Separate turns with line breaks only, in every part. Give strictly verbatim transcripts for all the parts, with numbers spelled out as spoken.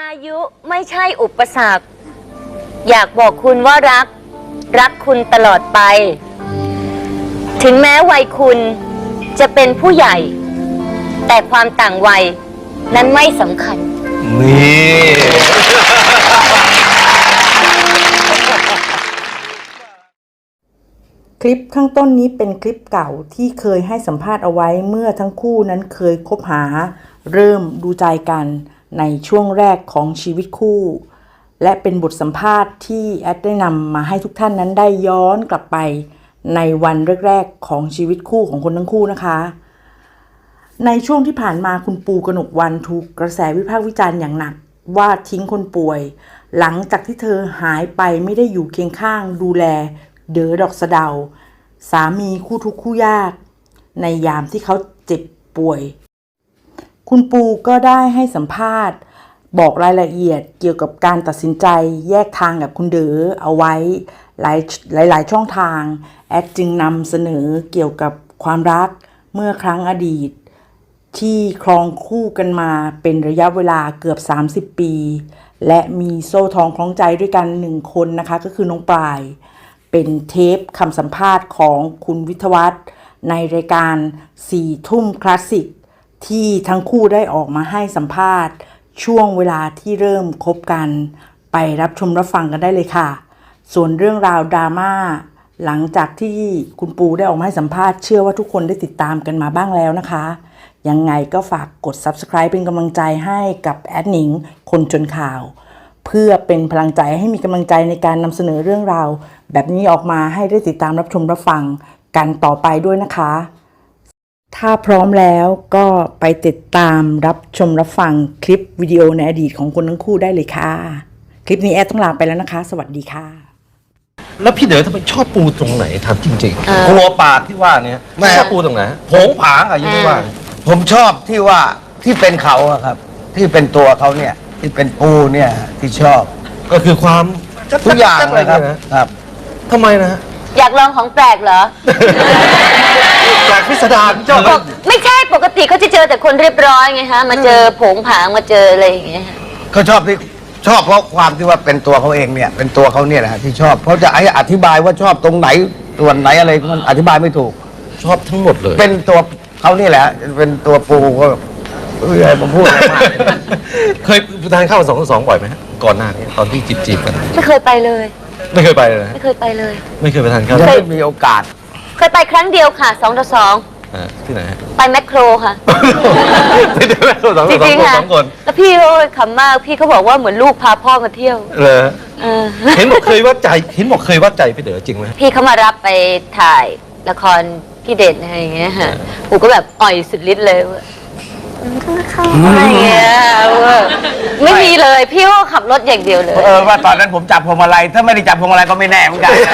อายุไม่ใช่อุปสรรคอยากบอกคุณว่ารักรักคุณตลอดไปถึงแม้วัยคุณจะเป็นผู้ใหญ่แต่ความต่างวัยนั้นไม่สำคัญ
นี่
คลิปข้างต้นนี้เป็นคลิปเก่าที่เคยให้สัมภาษณ์เอาไว้เมื่อทั้งคู่นั้นเคยคบหาเริ่มดูใจกันในช่วงแรกของชีวิตคู่และเป็นบทสัมภาษณ์ที่แอดได้นำมาให้ทุกท่านนั้นได้ย้อนกลับไปในวันแรกๆของชีวิตคู่ของคนทั้งคู่นะคะในช่วงที่ผ่านมาคุณปูกนกวรรณถูกกระแสวิพากษ์วิจารณ์อย่างหนักว่าทิ้งคนป่วยหลังจากที่เธอหายไปไม่ได้อยู่เคียงข้างดูแลเด๋อดอกสะเดาสามีคู่ทุกข์คู่ยากในยามที่เขาเจ็บป่วยคุณปูก็ได้ให้สัมภาษณ์บอกรายละเอียดเกี่ยวกับการตัดสินใจแยกทางกับคุณเด๋อเอาไว้หลายหลายหลายช่องทางแอดจึงนำเสนอเกี่ยวกับความรักเมื่อครั้งอดีตที่ครองคู่กันมาเป็นระยะเวลาเกือบสามสิบปีและมีโซ่ทองคล้องใจด้วยกันหนึ่งคนนะคะก็คือน้องปลายเป็นเทปคำสัมภาษณ์ของคุณวิทยวัฒน์ในรายการสี่ทุ่มคลาสสิกที่ทั้งคู่ได้ออกมาให้สัมภาษณ์ช่วงเวลาที่เริ่มคบกันไปรับชมรับฟังกันได้เลยค่ะส่วนเรื่องราวดราม่าหลังจากที่คุณปูได้ออกมาให้สัมภาษณ์เชื่อว่าทุกคนได้ติดตามกันมาบ้างแล้วนะคะยังไงก็ฝากกด ซับสไครบ์ เป็นกำลังใจให้กับแอดหนิงคนจนข่าวเพื่อเป็นพลังใจให้มีกำลังใจในการนำเสนอเรื่องราวแบบนี้ออกมาให้ได้ติดตามรับชมรับฟังกันต่อไปด้วยนะคะถ้าพร้อมแล้วก็ไปติดตามรับชมรับฟังคลิปวิดีโอในอดีตของคนทั้งคู่ได้เลยค่ะคลิปนี้แอดต้องลาไปแล้วนะคะสวัสดีค่ะ
แล้วพี่เด๋อทำไมชอบปูตรงไหนทำจริงๆกลัวปาดที่ว่านี้ไม่ชอบปูตรงไหนโผงผางอะยังไม่ว่า
ผมชอบที่ว่าที่เป็นเขาอะครับที่เป็นตัวเขาเนี่ยที่เป็นปูเนี่ยที่ชอบ
ก็คือความ
ทุกอย่างเลยครับครับ
ทำไมนะ
อยากลองของแปลกเหรอ
แปลกพิสดารชอบ
ไม่ใช่ปกติเขาจะเจอแต่คนเรียบร้อยไงฮะมาเจอโผงผางมาเจออะไรอย่างเงี้ย
เขาชอบที่ชอบเพราะความที่ว่าเป็นตัวเขาเองเนี่ยเป็นตัวเขาเนี่ยแหละที่ชอบเขาจะอธิบายว่าชอบตรงไหนส่วนไหนอะไรมันอธิบายไม่ถูก
ชอบทั้งหมดเลย
เป็นตัวเขานี่แหละเป็นตัวปูก็เออผมพูดมาก
เคยทานข้าวสองต่อสองบ่อยไหมก่อนหน้านี้ตอนที่จีบจีบกัน
ไม่เคยไปเลย
ไม่เคยไปเลย
ไม่เคยไปเลย
ไม่เคยไปทานข้าว
ไม่มีโอกาส
เคยไปครั้งเดียวค่ะสองต่อสอง
ที่ไหน
ไปแมคโครค่ะ
ที่แมคโครสองต่อสองคน
แล้วพี่โอ้ยขำมากพี่เขาบอกว่าเหมือนลูกพาพ่อมาเที่ยว
เลยเห็นบอกเคยวัดใจเห็นบอกเคยวัดใจพี่เด๋อจริงไหม
พี่เขามารับไปถ่ายละครพี่เด่นอะไรอย่างเงี้ยฮะกูก็แบบอ่อยสุดฤทธิ์เลยว่าอะไรเงี้ยไม่มีเลยพี่ก็ขับรถอย่างเดียวเลย
เออว่าตอนนั้นผมจับพวงมาลัยถ้าไม่ได้จับพวงมาลัยก็ไม่แน่เหมือนกัน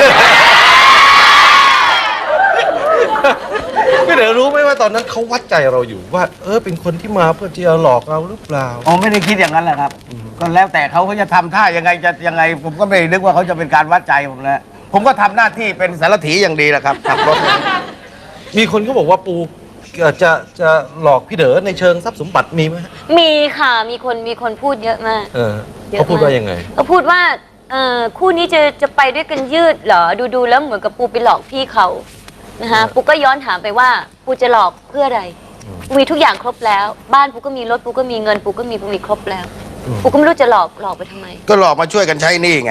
พี่เด๋อรู้ไหมว่าตอนนั้นเขาวัดใจเราอยู่ว่าเออเป็นคนที่มาเพื่อที่จะหลอกเราหรือเปล่า
อ๋อไม่ได้คิดอย่างนั้นแหละครับก็แล้วแต่เขาเขาจะทำท่ายังไงจะยังไงผมก็ไม่นึกว่าเขาจะเป็นการวัดใจผมแล้วผมก็ทำหน้าที่เป็นสารถีอย่างดีแหละครับขับรถ
มีคนเขาบอกว่าปูจะจะหลอกพี่เด๋อในเชิงทรัพย์สมบัติมีไหม
มีค่ะมีคนมีคนพูดเยอะมาก
เออเขาพูดว่ายังไง
เขาพูดว่าเออคู่นี้จะจะไปด้วยกันยืดเหรอดูดูแล้วเหมือนกับปูไปหลอกพี่เขานะคะปูก็ย้อนถามไปว่าปูจะหลอกเพื่ออะไรปูมีทุกอย่างครบแล้วบ้านปูก็มีรถปูก็มีเงินปูก็มีปูมีครบแล้วปูก็ไม่รู้จะหลอกหลอกไปทำไม
ก็หลอกมาช่วยกันใช้หนี้ไง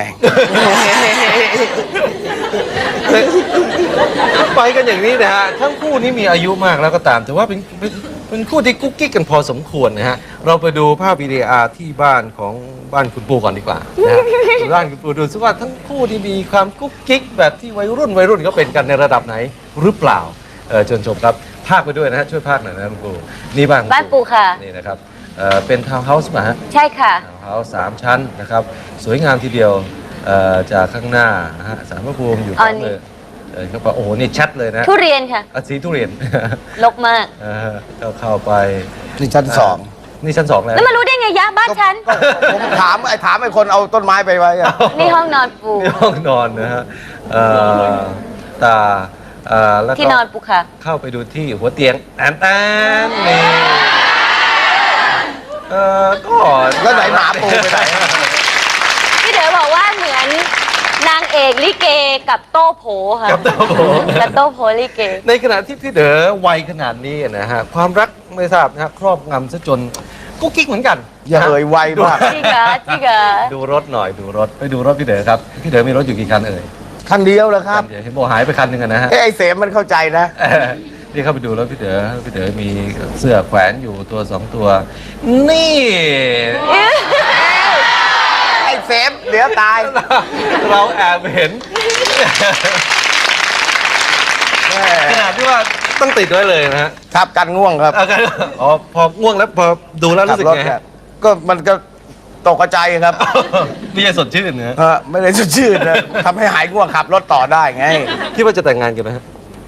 ไปกันอย่างนี้นะฮะทั้งคู่นี้มีอายุมากแล้วก็ตามแต่ว่าเป็นเป็นเป็นคู่ที่กุ๊กกิ๊กกันพอสมควรนะฮะเราไปดูภาพวิดีโอที่บ้านของบ้านคุณปูก่อนดีกว่านะบ้านคุณปูดูซิว่าทั้งคู่ที่มีความกุ๊กกิ๊กแบบที่วัยรุ่นวัยรุ่นก็เป็นกันในระดับไหนหรือเปล่าเออเชิญชมครับภาคไปด้วยนะฮะช่วยภาคหน่อยนะคุณปูนี่บ้าน
บ้านปูค่ะ
นี่นะครับเอ่อเป็นทาวน์เฮาส์ป่ะฮะ
ใช่ค่ะ
ทาวน์เฮาส์สามชั้นนะครับสวยงามทีเดียวเอ่อจากข้างหน้านะฮะศาลพระภูมิอยู่ข้างเลยเออเขาบอกโอ้โหนี่ชัดเลยนะ
ทุเรียนค่ะ
สีทุเรียน
ลกมาก
เออเข้าเข้าไป
นี่ชั้นสอง
นี่ชั้นสองแล้ว
แล้วมารู้ได้ไงยะบ้านฉัน
ผมถามไอ้ถามไอ้คนเอาต้นไม้ไปไว้
นี่ห้องนอนปู
นี่ห้องนอนนะฮะเอ่อตา
แล้วที่นอนปูค่ะ
เข้าไปดูที่หัวเตียงแอนแตนนี่เออก็
แล้วไหนหมาปูไปไหน
พี่เด๋อบอกว่าเหมือนนางเอกลิเกกับโต้โผค่ะ
กับโต้โผ
กับโต้โผลิเก
ในขณะที่พี่เด๋อวัยขนาดนี้นะฮะความรักไม่ทราบนะฮะครอบงำซะจนกุ๊กกิ๊กเหมือนกัน
อย่าเอ่ยไวมาก
จริงเหรอจริงเหรอ
ดูรถหน่อยดูรถไปดูรถพี่เด๋อครับพี่เด๋อมีรถอยู่กี่คันเอ่ย
คันเดียวแล้วครับ
เดี๋ยวเห็นบอกหายไปคันหนึ่งอะนะฮะ
เอ้ยไอ้เสมมันเข้าใจนะ
เออนี่เข้าไปดูแล้วพี่เด๋อพี่เด๋อมีเสื้อแขวนอยู่ตัวสองตัว นี่
ไอ้เสมเดี๋ยวตาย
เราแอบเห็นขนาดที่ว่าต้องติดไว้เลยนะฮะ
ครับกันง่วงครับ
เอากันอ๋อพอง่วงแล้วพอดูแล้วรู้สึก
ขับ
ไง
เนี่ย
ฮะ
ก็มันก็ตกใจครับ
ไม่ใช่สดชื่นนะฮะ
ฮะไม่ได้ชื่นนะทำให้หายง่วงขับรถต่อได้ไง
คิดว่าจะแต่งงานกันไหมฮะ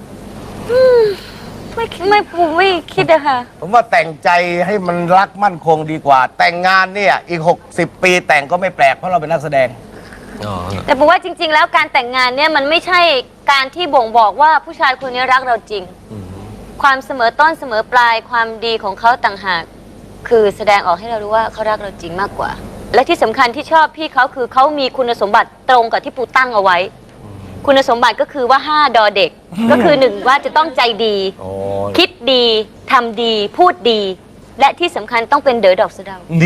ไม่ไม่ปูไม่คิดอะค่ะ
ผมว่าแต่งใจให้มันรักมั่นคงดีกว่า แต่งงานเนี่ยอีก หกสิบ ปีแต่งก็ไม่แปลกเพราะเราเป็นนักแสดง
อ๋อ
แต่ปูว่าจริง ๆ แล้วการแต่งงานเนี่ยมันไม่ใช่การที่บ่งบอกว่าผู้ชายคนนี้รักเราจริง
อืม
ความเสมอต้นเสมอปลายความดีของเขาต่างหาก คือแสดงออกให้เรารู้ว่าเขารักเราจริงมากกว่า และที่สำคัญที่ชอบพี่เขาคือเขามีคุณสมบัติตรงกับที่ปูตั้งเอาไว้ คุณสมบัติก็คือว่าห้าดอเด็ก ก็คือหนึ่งว่าจะต้องใจดี
อ๋อ
คิดดีทำดีพูดดี และที่สำคัญต้องเป็นเด๋อดอกสะเดา
ดี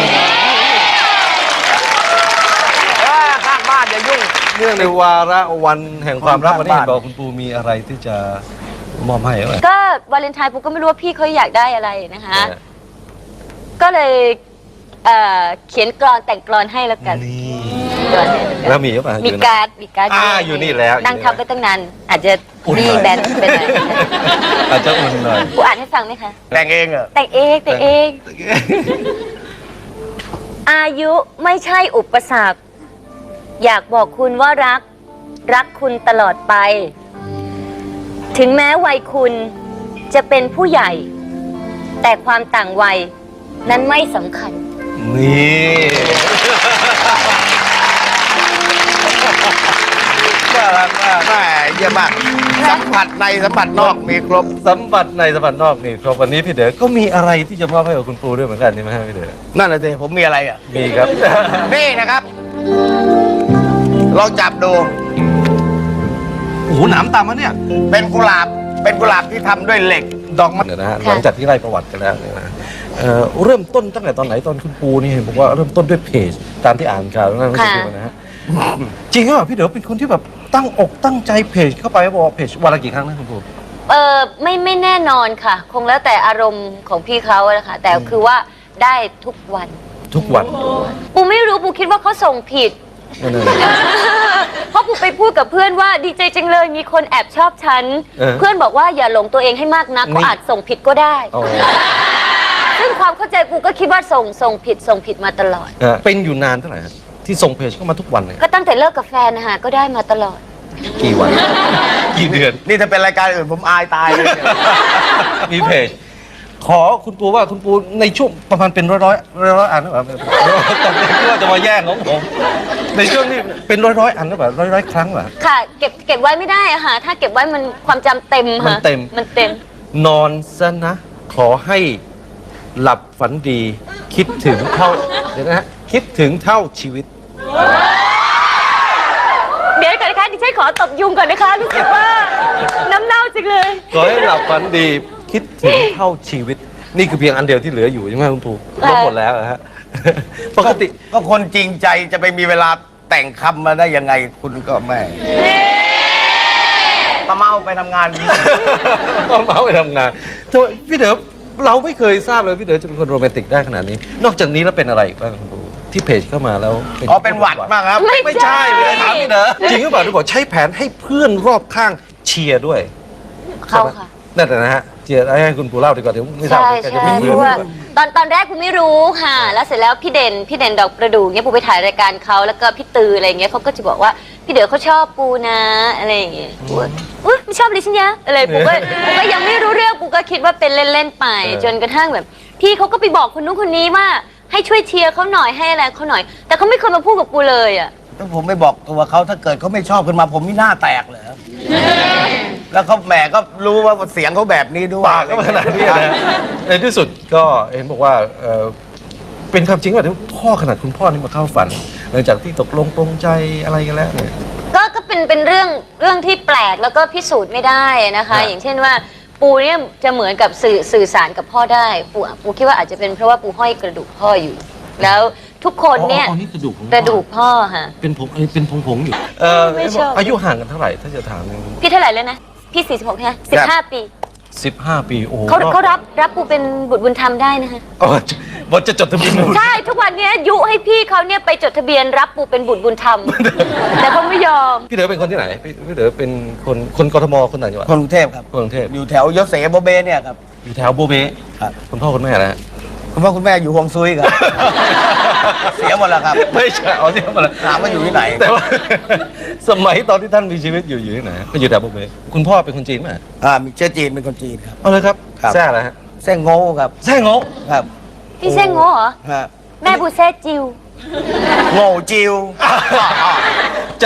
เอ้ยข้างบ้านอย่ายุ่ง
เนื่องในวาระวันแห่งความรัก
คน
วันนี้
ข้าง
เห็น
บ้าน
บอกคุณปูมีอะไรที่จะมอบให้ไหม
ก็วาเลนไทน์ปูก็ไม่รู้ว่าพี่เขาอยากได้อะไรนะคะ
เออ
ก็เลยเอ่อเขียนกลอนแต่งกลอนให้แล้วกัน
นี่
กลอนให้แล้วกัน
แล้วมีหรือเปล่า
มี
อยู่นะ
การ์ดมีการ์ด
อ่าอยู่นี่แล้ว
นั่งทับไปตั้งนานอาจจะ
อุ่น
รี
หน่อย
แบนไปหน่อย
อาจจะอุ่นหน่อย
ปูอ่านให้ฟังไหมคะ
แต่งเองเหรอ
แต่งเองแต่งเอง อายุไม่ใช่อุปสรรค อยากบอกคุณว่ารัก รักคุณตลอดไป ถึงแม้วัยคุณจะเป็นผู้ใหญ่ แต่ความต่างวัยนั้นไม่สำคัญ
นี่ น่ารักมาก
แม่เยี่ยมมากสัมผัสในสัมผัสนอกมีครบ
สัมผัสในสัมผัสนอกนี่ครับวันนี้พี่เด๋อก็มีอะไรที่จะมอบให้กับคุณปูด้วยเหมือนกันใช่ไหมฮะพี่เด๋อ
นั่นแหละสิผมมีอะไรอ่ะ
มีครับ
นี่นะครับลองจับดู
โอ้โหหนามตามมาเนี่ย
เป็นกุหลาบ เป็นกุหลาบที่ทำด้วยเหล็ก ดอกไม้
เดี๋ยวนะฮะ
ค่ะ
หลังจากที่ไล่ประวัติกันแล้วเนี่ยนะเอ่อเริ่มต้นตั้งแต่ตอนไหนตอนคุณปูนี่เห็นบอกว่าเริ่มต้นด้วยเพจตามที่อ่านข่าวนั่นไม่ใช่จริงนะฮะจริงหรือเปล่าพี่เด๋อเป็นคนที่แบบตั้งอกตั้งใจเพจเข้าไปบอกว่าเพจวันละกี่ครั้งนะคุณปู
เออไม่ไม่แน่นอนค่ะ คงแล้วแต่อารมณ์ของพี่เขาอะนะคะแต่คือว่าได้ทุกวัน
ทุกวัน
ปูไม่รู้ปูคิดว่าเขาส่งผิด
นั่นเอง
เพราะปูไปพูดกับเพื่อนว่าดีใจจังเลยมีคนแอบชอบฉัน
เออ
เพื่อนบอกว่าอย่าหลงตัวเองให้มากนัก
นี่
เขาอาจส่งผิดก็ได้
อ๋อ
ซึ่งความเข้าใจปูก็คิดว่าส่งส่งผิดส่งผิดมาตลอด
ฮะเป็นอยู่นานเท่าไหร่ฮะที่ส่งเพจเข้ามาทุกวันเนี่ย
ก็ตั้งแต่เลิกกับแฟนนะคะก็ได้มาตลอด
กี่วัน กี่เดือน
นี่ถ้าเป็นรายการอื่นผมอายตายเลยเนี่ย
มีเพจ ขอคุณปูว่าคุณปูในช่วงประมาณเป็นร้อยร้อยร้อยร้อยอันหรือเปล่าตอนนี้คิดว่าจะมาแย่งของผมในช่วงนี้เป็นร้อยร้อยอันหรือเปล่าร้อยร้อยครั้งเหรอ
ค่ะเก็บเก็บไว้ไม่ได้อะค่ะถ้าเก็บไว้มันความจำเต็มค่ะ
มันเต็ม
มันเต็ม
นอนซะนะ ขอให้หลับฝันดี คิดถึงเท่าเดี๋ยวนะฮะคิดถึงเท่าชีวิต
เดี๋ยวก่อนนะคะดิฉันขอตบยุงก่อนนะคะรู้สึกว่าน้ำเน่าจังเลย
ขอให้หลับฝันดีคิดถึงเท่าชีวิต นี่คือเพียงอันเดียวที่เหลืออยู่ใช่ไหมคุณปูลบหมดแล้วนะฮะ ปกติ
ก็คนจริงใจจะไปมีเวลาแต่งคำมาได้ยังไงคุณก็แม่ตะเมาไปทำงาน
ก็เมาไปทำงานทำไมพี่เด๋อเราไม่เคยทราบเลยพี่เด๋อจะเป็นคนโรแมนติกได้ขนาดนี้ นอกจากนี้แล้วเป็นอะไรอีกบ้างคุณปูที่เพจเข้ามาแล้ว
อ๋อเป็นหวัดมากครับ
ไม่
ไม่ใช่เลยถามพี่เด๋อจริงหรือเปล่าที่บอกใช้แผนให้เพื่อนรอบข้างเชียร์ด้วย
เขาค่ะ
นั่นแหละนะฮะเชียร์ให้คุณปูเล่าดีกว่าเดี๋ยวไม่ทราบ
ใช่
แกจะ
ใช่
เป็น
เพ
เพื่อน
ราะว่าตอนตอนแรกกูไม่รู้ค่ะ แล้วเสร็จแล้วพี่เด่นพี่เด่นดอกประดู่เนี่ยปูไปถ่ายรายการเขาแล้วก็พี่ตืออะไรเงี้ยเขาก็จะบอกว่าพี่เด๋อเขาชอบปูนะอะไรอย่างเงี้ยปูก็อุ้ยไม่ชอบเลยใช่ไหมอะไรปูก็ปูก็ยังไม่รู้เรื่องปูก็คิดว่าเป็นเล่นๆไป จนกระทั่งแบบ พี่เขาก็ไปบอกคนนู้นคนนี้ว่าให้ช่วยเชียร์เขาหน่อยให้อะไรเขาหน่อย แต่เขาไม่เคยมาพูดกับปูเลยอ่ะ
ถ้าผมไม่บอกตัวเขาถ้าเกิดเขาไม่ชอบขึ้นมาผมไม่น่าแตกเลยแล้วเขาแหมก็รู้ว่าเสียงเขาแบบนี้ด้วย
ปากก็ขนาดนี้นะในที่สุดก็เห็นบอกว่าเอ่อเป็นความจริงว่าที่พ่อขนาดคุณพ่อนี่มาเข้าฝันหลังจากที่ตกลงปรงใจอะไรกันแล้วเนี่ย
ก็ก็เป็นเป็นเรื่องเรื่องที่แปลกแล้วก็พิสูจน์ไม่ได้นะคะ
ครับ
อย่างเช่นว่าปูเนี่ยจะเหมือนกับสื่อสื่อสารกับพ่อได้ปูปูคิดว่าอาจจะเป็นเพราะว่าปูห้อยกระดูกพ่ออยู่ แล้วทุกคนเนี่ย
อ๋อนี่กระดูกของ
กระดูกพ่อค่ะ
เป็นผมเป็นผงผงๆอยู่เออ
ไม่ชอบ
อายุห่างกันเท่าไหร่ถ้าจะถาม
พี่เท่าไหร่แล้วนะพี่สี่สิบหกใช่ไหมสิบห้าปี
สิบห้าปีโอ้โห
เขาเขารับรับปูเป็นบุตรบุญธรรมได้นะคะ
อ๋อบทจะจดทะเบียน
ใช่ทุกวันเนี้ยยุให้พี่เขาเนี่ยไปจดทะเบียนรับปูเป็นบุตรบุญธรรม แต่เขาไม่ยอม
พี่เด๋อเป็นคนที่ไหนพี่พี่เด๋อเป็นคนคนกทมคนต่างจังหวัด
คนกรุงเทพครับ
คนกรุงเทพ
อยู่แถวยศเสโบเบเนี่ยครับ
อยู่แถวโบเบ้
ครับ
คุณพ่อคุณแม่นะฮะ
คุณพ่อคุณแม่อยู่ฮวงซุยครับ เสียหมดแล้วครับ
ไม่ใช่เอาที่มาเลย
ถามว่าอยู่ที่ไหน
แต่ว่า สมัยตอนที่ท่านมีชีวิตอยู่อยู่ที่ไหนฮะก็อยู่แถวโบเบ้คุณพ่อเป็นคนจีนไหม
อ่ามีเชื้อจีนเป็นคนจีนครับ
เอาเลยครับ
ครับ
แซ่อะไรฮะ
แซ่งโง่ครับ
แซ่งโงะ
ครับ
พี่เซ้งโง่เหรอ
ฮะ
แม่ปูแซ่จิว
โง่จิว